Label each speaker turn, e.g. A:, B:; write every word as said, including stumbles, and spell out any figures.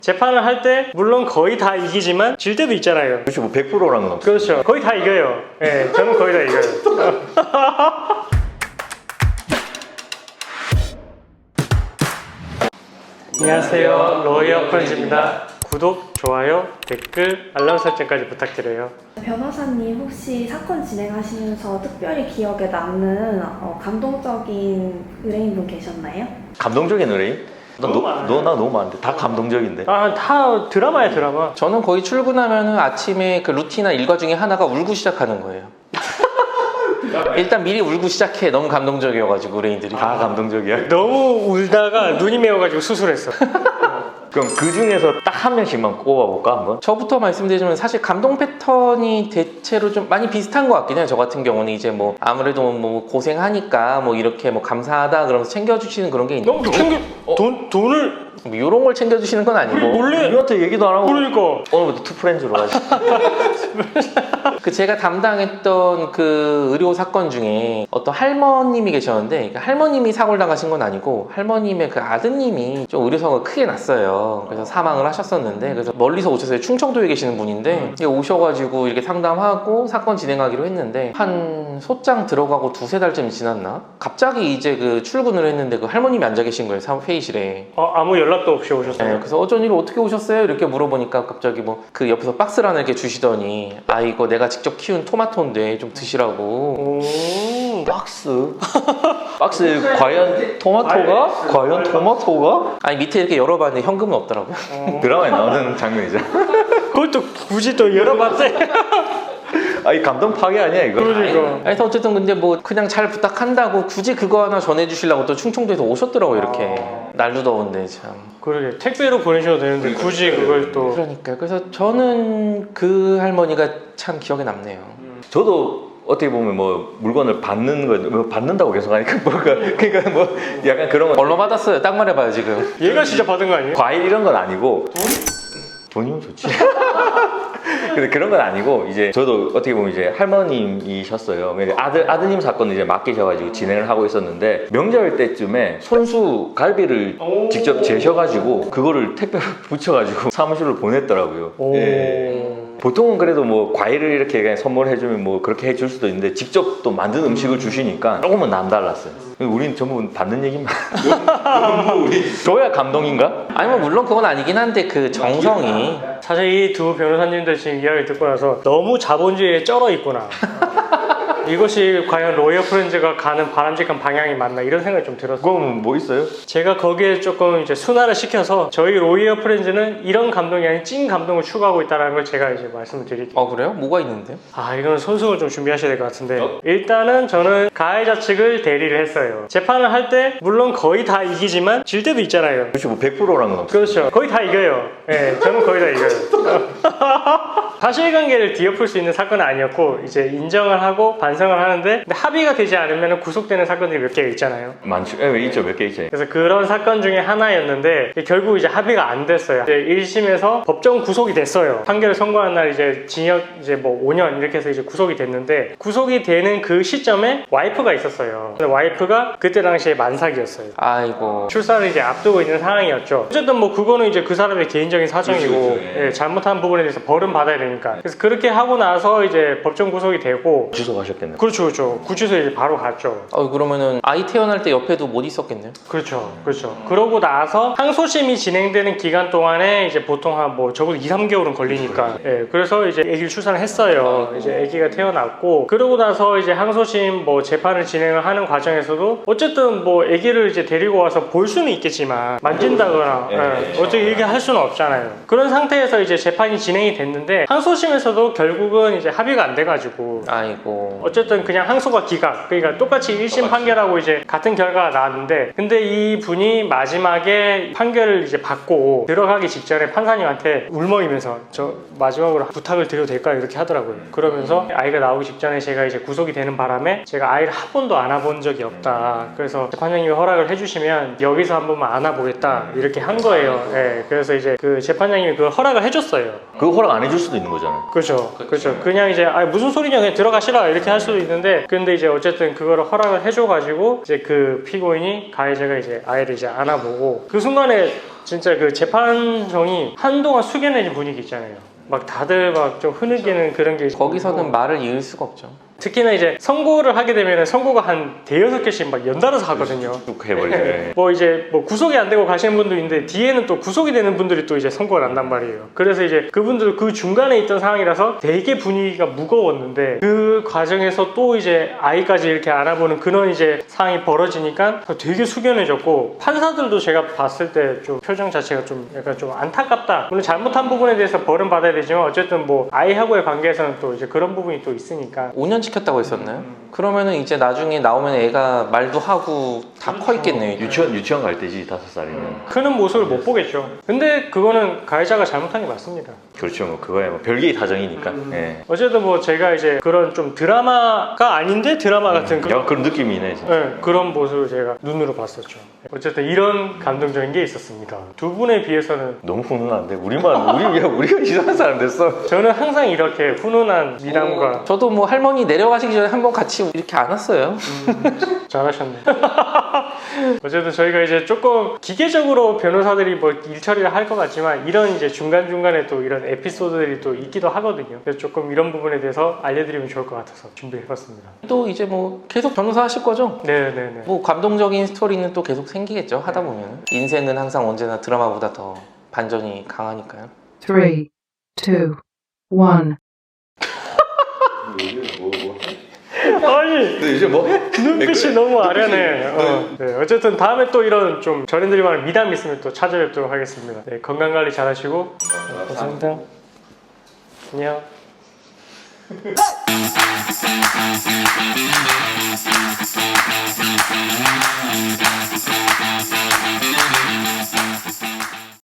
A: 재판을 할 때 물론 거의 다 이기지만 질 때도 있잖아요.
B: 그렇죠. 뭐 백 퍼센트라는 건 없어요.
A: 그렇죠. 거의 다 이겨요. 예, 네, 저는 거의 다 이겨요. 안녕하세요, 로이어 프렌즈입니다. 구독, 좋아요, 댓글, 알람 설정까지 부탁드려요.
C: 변호사님 혹시 사건 진행하시면서 특별히 기억에 남는 어, 감동적인 의뢰인분 계셨나요?
B: 감동적인 의뢰인?
A: 너무 많아요.
B: 너 나 너무 많은데 다 감동적인데.
A: 아, 다 드라마야, 드라마.
D: 저는 거의 출근하면은 아침에 그 루틴이나 일과 중에 하나가 울고 시작하는 거예요. 일단 미리 울고 시작해. 너무 감동적이어가지고 의뢰인들이
B: 다 감동적이야?
A: 너무 울다가 눈이 메어가지고 수술했어.
B: 그럼 그 중에서 딱 한 명씩만 꼽아볼까 한번?
D: 저부터 말씀드리자면 사실 감동 패턴이 대체로 좀 많이 비슷한 것 같긴 해요. 저 같은 경우는 이제 뭐 아무래도 뭐 고생하니까 뭐 이렇게 뭐 감사하다 그러면서 챙겨주시는 그런 게 있는데
A: 너무 챙겨, 돈, 돈을
D: 뭐 이런 걸 챙겨주시는 건 아니고
A: 원래
B: 우리한테 얘기도 안 하고
A: 그러니까
B: 오늘부터 투프렌즈로 가지.
D: 그 제가 담당했던 그 의료 사건 중에 어떤 할머님이 계셨는데 그 할머님이 사고를 당하신 건 아니고 할머님의 그 아드님이 좀 의료사고가 크게 났어요. 그래서 사망을 하셨었는데 그래서 멀리서 오셨어요. 충청도에 계시는 분인데 음. 오셔가지고 이렇게 상담하고 사건 진행하기로 했는데 한 소장 들어가고 두세 달쯤 지났나? 갑자기 이제 그 출근을 했는데 그 할머님이 앉아 계신 거예요. 회의실에.
A: 어, 아무 연락도 없이 오셨어요.
D: 네, 그래서 어쩐 일로 어떻게 오셨어요? 이렇게 물어보니까 갑자기 뭐 그 옆에서 박스를 하나 이렇게 주시더니 아 이거 내가 직접 키운 토마토인데 좀 드시라고.
A: 오.
B: 박스? 박스 과연 토마토가? 과연 토마토가?
D: 아니 밑에 이렇게 열어봤는데 현금은 없더라고요.
B: 드라마에 나오는 장면이죠.
A: 그걸 또 굳이 또 열어봤대.
B: 아, 이 감동 파괴 아니야 이거?
A: 그러니까.
D: 그래서 어쨌든 근데 뭐 그냥 잘 부탁한다고 굳이 그거 하나 전해주시려고 또 충청도에서 오셨더라고요. 이렇게 날도 더운데 참.
A: 그러게 택배로 보내셔도 되는데 굳이 그걸 또.
D: 그러니까 그래서 저는 그 할머니가 참 기억에 남네요.
B: 저도 어떻게 보면 뭐 물건을 받는 거, 뭐 받는다고 계속 하니까 뭐가 그러니까 뭐 약간 그런 거.
D: 얼마 받았어요? 딱 말해봐요 지금.
A: 얘가 진짜 받은 거 아니에요?
B: 과일 이런 건 아니고 돈? 돈이면 좋지. 근데 그런 건 아니고 이제 저도 어떻게 보면 이제 할머님이셨어요. 아들 아드님 사건을 이제 맡기셔가지고 진행을 하고 있었는데 명절 때쯤에 손수 갈비를 직접 재셔가지고 그거를 택배로 붙여가지고 사무실로 보냈더라고요.
A: 오.
B: 예. 보통은 그래도 뭐 과일을 이렇게 그냥 선물해주면 뭐 그렇게 해줄 수도 있는데 직접 또 만든 음식을 주시니까 조금은 남달랐어요. 우린 전부 받는 얘기만. 줘야 감동인가?
D: 아니 뭐 물론 그건 아니긴 한데 그 정성이.
A: 사실 이 두 변호사님들 지금 이야기 듣고 나서 너무 자본주의에 쩔어 있구나. 이것이 과연 로이어 프렌즈가 가는 바람직한 방향이 맞나 이런 생각이 좀 들었어요.
B: 그럼 뭐 있어요?
A: 제가 거기에 조금 이제 순화를 시켜서 저희 로이어 프렌즈는 이런 감동이 아닌 찐 감동을 추구하고 있다는 걸 제가 이제 말씀을 드릴게요.
D: 어 그래요? 뭐가 있는데요?
A: 아 이건 손수건 좀 준비하셔야 될 것 같은데 일단은 저는 가해자 측을 대리를 했어요. 재판을 할 때 물론 거의 다 이기지만 질 때도 있잖아요.
B: 그렇죠. 뭐 백 퍼센트라는 건 없어요.
A: 그렇죠. 거의 다 이겨요. 예, 네, 저는 거의 다 이겨요. 사실관계를 뒤엎을 수 있는 사건은 아니었고 이제 인정을 하고 반성을 하는데 근데 합의가 되지 않으면 구속되는 사건들이 몇 개가 있잖아요.
B: 많죠. 예, 있죠. 몇 개 있죠.
A: 그래서 그런 사건 중에 하나였는데 결국 이제 합의가 안 됐어요. 이제 일 심에서 법정 구속이 됐어요. 판결을 선고한 날 이제 징역 이제 뭐 오 년 이렇게 해서 이제 구속이 됐는데 구속이 되는 그 시점에 와이프가 있었어요. 근데 와이프가 그때 당시에 만삭이었어요.
D: 아이고.
A: 출산을 이제 앞두고 있는 상황이었죠. 어쨌든 뭐 그거는 이제 그 사람의 개인적인 사정이고
B: 그렇죠, 그렇죠. 예.
A: 예, 잘못한 부분에 대해서 벌은 받아야 되니까. 그래서 그렇게 하고 나서 이제 법정 구속이 되고
B: 주소가셨겠네요.
A: 그렇죠, 그렇죠. 구치소에 이제 바로 갔죠.
D: 어 그러면은 아이 태어날 때 옆에도 못 있었겠네요.
A: 그렇죠, 그렇죠. 그러고 나서 항소심이 진행되는 기간 동안에 이제 보통 한 뭐 적어도 이, 삼 개월은 걸리니까. 예, 그래서 이제 아기를 출산을 했어요. 이제 아기가 태어났고 그러고 나서 이제 항소심 뭐 재판을 진행을 하는 과정에서도 어쨌든 뭐 아기를 이제 데리고 와서 볼 수는 있겠지만 만진다거나
B: 예,
A: 예, 어떻게 이렇게 할 수는 없잖아요. 그런 상태에서 이제 재판이 진행이 됐는데 항소심에서도 결국은 이제 합의가 안 돼가지고
D: 아이고.
A: 어쨌든 그냥 항소가 기각 그러니까 똑같이 일 심 판결하고 이제 같은 결과가 나왔는데 근데 이 분이 마지막에 판결을 이제 받고 들어가기 직전에 판사님한테 울먹이면서 저 마지막으로 부탁을 드려도 될까요? 이렇게 하더라고요. 그러면서 아이가 나오기 직전에 제가 이제 구속이 되는 바람에 제가 아이를 한 번도 안아본 적이 없다. 그래서 재판장님이 허락을 해주시면 여기서 한 번만 안아보겠다 이렇게 한 거예요. 예, 그래서 이제 그 재판장님이 그걸 허락을 해줬어요.
B: 그거 허락 안 해줄 수도 있는 거잖아요.
A: 그렇죠. 그렇죠. 그냥 이제 아 무슨 소리냐 그냥 들어가시라 이렇게 할 수도 있는데 근데 이제 어쨌든 그거를 허락을 해줘가지고 이제 그 피고인이 가해자가 이제 아이를 이제 안아보고 그 순간에 진짜 그 재판정이 한동안 숙연해진 분위기 있잖아요. 막 다들 막 좀 흐느끼는 그런 게
D: 거기서는
A: 있고.
D: 말을 이을 수가 없죠.
A: 특히나 이제 선고를 하게 되면 선고가 한 대여섯 개씩 막 연달아서 하거든요.
B: 쭉 해버리죠.
A: 뭐 이제 뭐 구속이 안 되고 가시는 분도 있는데 뒤에는 또 구속이 되는 분들이 또 이제 선고를 한단 말이에요. 그래서 이제 그분들 그 중간에 있던 상황이라서 되게 분위기가 무거웠는데 그 과정에서 또 이제 아이까지 이렇게 알아보는 그런 이제 상황이 벌어지니까 되게 숙연해졌고 판사들도 제가 봤을 때 좀 표정 자체가 좀 약간 좀 안타깝다. 물론 잘못한 부분에 대해서 벌은 받아야 되지만 어쨌든 뭐 아이하고의 관계에서는 또 이제 그런 부분이 또 있으니까.
D: 오 년 시켰다고 했었나요? 그러면은 이제 나중에 나오면 애가 말도 하고 다 커 있겠네요.
B: 유치원 유치원 갈 때지 다섯 살이면.
A: 크는 모습을 못 보겠죠. 근데 그거는 가해자가 잘못한 게 맞습니다.
B: 그렇죠. 뭐 그거야 뭐 별개의 사정이니까. 예.
A: 어쨌든 뭐 제가 이제 그런 좀 드라마가 아닌데 드라마 같은
B: 약간 그런 느낌이네. 진짜.
A: 네, 그런 모습을 제가 눈으로 봤었죠. 어쨌든 이런 감동적인 게 있었습니다. 두 분에 비해서는
B: 너무 훈훈한데 우리만 우리 야 우리가 이상한 사람 됐어.
A: 저는 항상 이렇게 훈훈한 미담과
D: 저도 뭐 할머니 내려가시기 전에 한번 같이 이렇게 안았어요.
A: 잘하셨네. 어쨌든 저희가 이제 조금 기계적으로 변호사들이 뭐 일처리를 할 것 같지만 이런 이제 중간중간에 또 이런 에피소드들이 또 있기도 하거든요. 그래서 조금 이런 부분에 대해서 알려드리면 좋을 것 같아서 준비해봤습니다.
D: 또 이제 뭐 계속 변호사 하실 거죠?
A: 네네네.
D: 뭐 감동적인 스토리는 또 계속 생기겠죠. 하다 보면 인생은 항상 언제나 드라마보다 더 반전이 강하니까요.
E: Three, two, one.
A: 아니
B: 근데 이제 뭐 해?
A: 눈빛이 너무 아련해. 어. 네, 어쨌든 다음에 또 이런 좀 전해드릴 만한 미담 있으면 또 찾아뵙도록 하겠습니다. 네, 건강관리 잘하시고 감사합니다. 안녕.